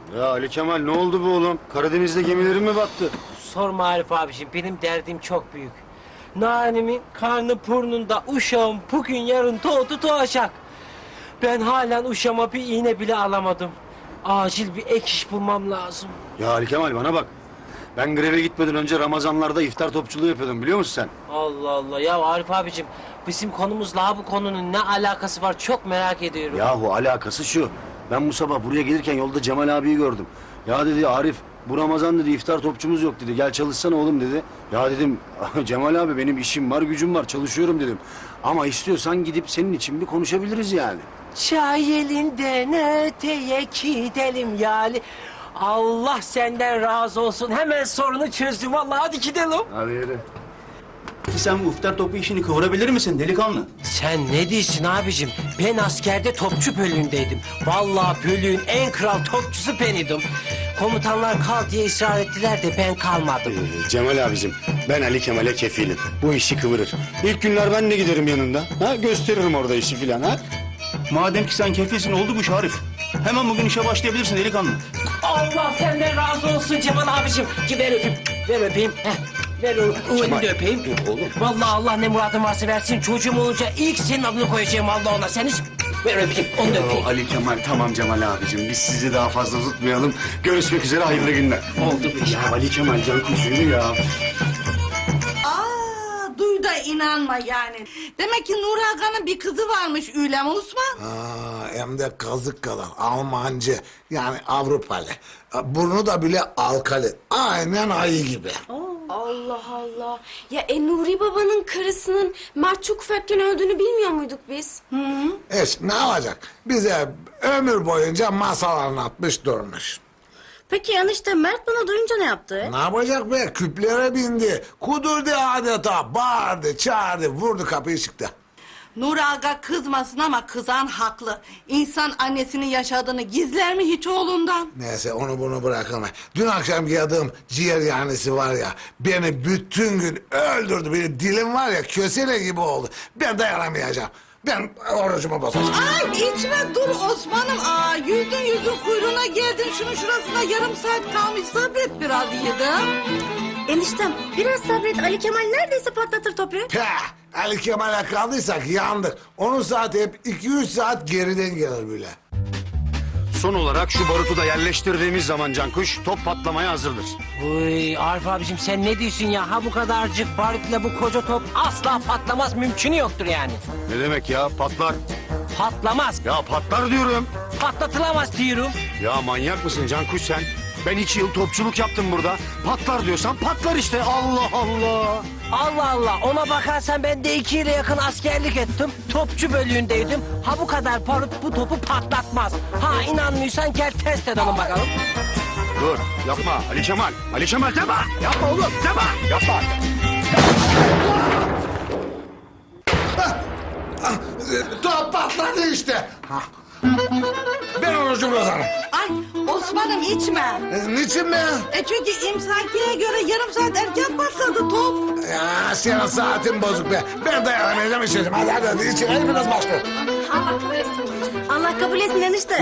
Ya Ali Kemal ne oldu bu oğlum? Karadeniz'de gemilerin mi battı? Sorma Arif abiciğim, benim derdim çok büyük. Nanimin karnı burnunda, uşağım bugün yarın doğacak. Ben halen uşağıma bir iğne bile alamadım. Acil bir ek iş bulmam lazım. Ya Ali Kemal bana bak. Ben greve gitmeden önce Ramazanlarda iftar topçuluğu yapıyordum biliyor musun sen? Allah Allah, ya Arif abiciğim, bizim konumuzla bu konunun ne alakası var çok merak ediyorum. Yahu alakası şu. Ben bu sabah buraya gelirken yolda Cemal abiyi gördüm. Ya dedi Arif bu Ramazan dedi iftar topçumuz yok dedi. Gel çalışsana oğlum dedi. Ya dedim Cemal abi benim işim var gücüm var çalışıyorum dedim. Ama istiyorsan gidip senin için bir konuşabiliriz yani. Çay elinden öteye gidelim yani. Allah senden razı olsun. Hemen sorunu çözdüm vallahi, hadi gidelim. Hadi yürü. Sen bu iftar topu işini kıvırabilir misin delikanlı? Sen ne diyorsun abicim? Ben askerde topçu bölüğündeydim. Vallahi bölüğün en kral topçusu beniydim. Komutanlar kal diye ısrar ettiler de ben kalmadım. Cemal abicim ben Ali Kemal'e kefilim. Bu işi kıvırır. İlk günler ben de giderim yanında. Ha gösteririm orada işi filan ha. Madem ki sen kefilsin oldu bu iş Arif. Hemen bugün işe başlayabilirsin delikanlı. Allah senden razı olsun Cemal abicim. Ki ver öpeyim. Ver öpeyim. Heh. Ver o elini de öpeyim. Oğlum. Vallahi Allah ne muradın varsa versin. Çocuğum olunca ilk senin adını koyacağım Allah ona. Sen hiç ver öpeyim. Onu da öpeyim. Ali Kemal tamam Cemal abicim biz sizi daha fazla tutmayalım. Görüşmek üzere hayırlı günler. Oldu bu iş. Ya Ali Kemal can kuşuydu ya. Duy da inanma yani. Demek ki Nur Aga'nın bir kızı varmış Ülem Osman. Hem de kazık kadar Almancı yani Avrupalı. Burnu da bile alkali. Aynen ayı gibi. Allah Allah. Ya Nuri babanın karısının Mert çok ufakken öldüğünü bilmiyor muyduk biz? Ne olacak? Bize ömür boyunca masal anlatmış durmuş. Peki enişte Mert bunu duyunca ne yaptı? Ne yapacak be? Küplere bindi. Kudurdu adeta. Bağırdı, çağırdı, vurdu kapıyı çıktı. Nur Aga kızmasın ama kızan haklı. İnsan annesinin yaşadığını gizler mi hiç oğlundan? Neyse onu bunu bırakalım. Dün akşam yadığım ciğer yanisi var ya... ...beni bütün gün öldürdü. Benim dilim var ya kösele gibi oldu. Ben dayanamayacağım. Ben orucumu bozacağım. Ay içme dur Osman'ım. Yüzün kuyruğuna geldin. Şunun şurasına yarım saat kalmış. Sabret biraz yedim. Eniştem biraz sabret, Ali Kemal neredeyse patlatır topu. Peh! Ali Kemal'e kaldıysak yandık. Onun saati hep 2-3 saat geriden gelir bile. Son olarak şu barutu da yerleştirdiğimiz zaman Cankuş top patlamaya hazırdır. Uy Arif abicim sen ne diyorsun ya? Ha bu kadarcık baritle bu koca top asla patlamaz, mümkünü yoktur yani. Ne demek ya patlar? Patlamaz. Ya patlar diyorum. Patlatılamaz diyorum. Ya manyak mısın Cankuş sen? Ben 2 yıl topçuluk yaptım burada. Patlar diyorsan patlar işte. Allah Allah. Allah Allah, ona bakarsan ben de 2 yıla yakın askerlik ettim. Topçu bölüğündeydim. Ha bu kadar barut bu topu patlatmaz. Ha inanmıyorsan gel test edelim bakalım. Dur yapma Ali Kemal. Ali Kemal deme. Yapma oğlum deme. Yapma. Top patladı işte. Ben orucumu bozarım. Ay Osman'ım içme. Niçin be? Çünkü imsakiye göre yarım saat erken patladı top. Ya senin saatin bozuk be. Ben dayanamayacağım içeceğim. Hadi içelim biraz başla. Allah kabul etsin. Allah kabul etsin enişte.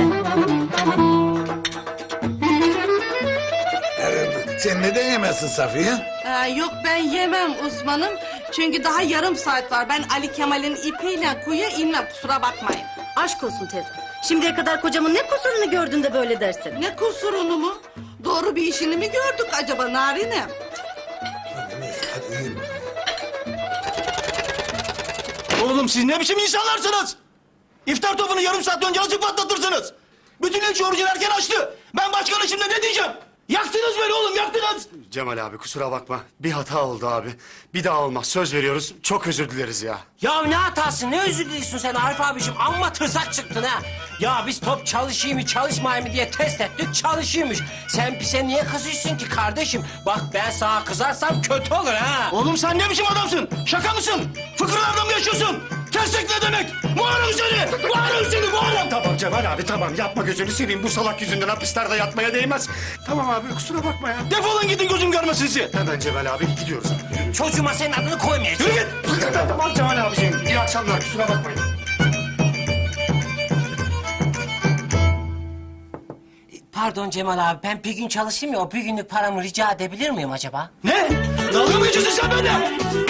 Sen neden yemezsin Safiye? Yok ben yemem Osman'ım. Çünkü daha yarım saat var. Ben Ali Kemal'in ipiyle kuyuya inmem, kusura bakmayın. Aşk olsun teyze. Şimdiye kadar kocamın ne kusurunu gördün de böyle dersin? Ne kusurunu mu? Doğru bir işini mi gördük acaba Narine? Hadi neyse hadi yiyin. Oğlum siz ne biçim insanlarsınız? İftar topunu yarım saat önce nasıl patlatırsınız? Bütün ilçe orucunu erken açtı. Ben başkanı şimdi ne diyeceğim? Yaktınız beni oğlum yaktınız. Cemal abi kusura bakma. Bir hata oldu abi. Bir daha olmaz. Söz veriyoruz. Çok özür dileriz ya. Ya ne hatası, ne özür diliyorsun sen Arif abiciğim? Amma tırsak çıktın ha. Ya biz top çalışayım mı çalışmayayım mı diye test ettik, çalışıyormuş. Sen bize niye kızıyorsun ki kardeşim? Bak ben sana kızarsam kötü olur ha. Oğlum sen ne biçim adamsın? Şaka mısın? Fıkırlarda mı yaşıyorsun? Tersek ne demek? Muharrem seni! Muharrem seni! Muharrem! Tamam Cemal abi tamam. Yapma gözünü seveyim. Bu salak yüzünden hapislerde yatmaya değmez. Tamam abi kusura bakma ya. Defolun gidin gözüm görmesin sizi. Hemen Cemal abi gidiyoruz. Çocuğuma senin adını koymayacağım. Yürü git! Tamam Cemal abiciğim. İyi akşamlar. Kusura bakmayın. Pardon Cemal abi, ben bir gün çalışayım ya, o bir günlük paramı rica edebilir miyim acaba? Ne? Dalga mı geçiyorsun sen benimle?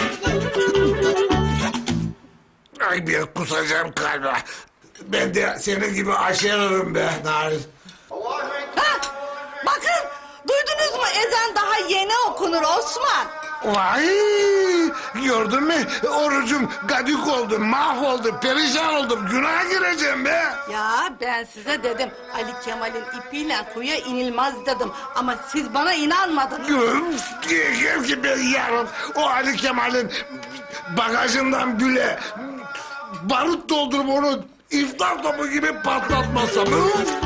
Ay bir kusacağım kalbe. Ben de senin gibi aşerarım be Narin. Ha, bakın duydunuz mu ezan daha yeni okunur Osman. Vay! Gördün mü? Orucum gadük oldu, mahvoldu, perişan oldum. Günaha gireceğim be. Ya ben size dedim Ali Kemal'in ipiyle kuyuya inilmez dedim. Ama siz bana inanmadınız. Diyeceğim ki ben yarın o Ali Kemal'in bagajından bile barut doldurup onu iftar topu gibi patlatmasam.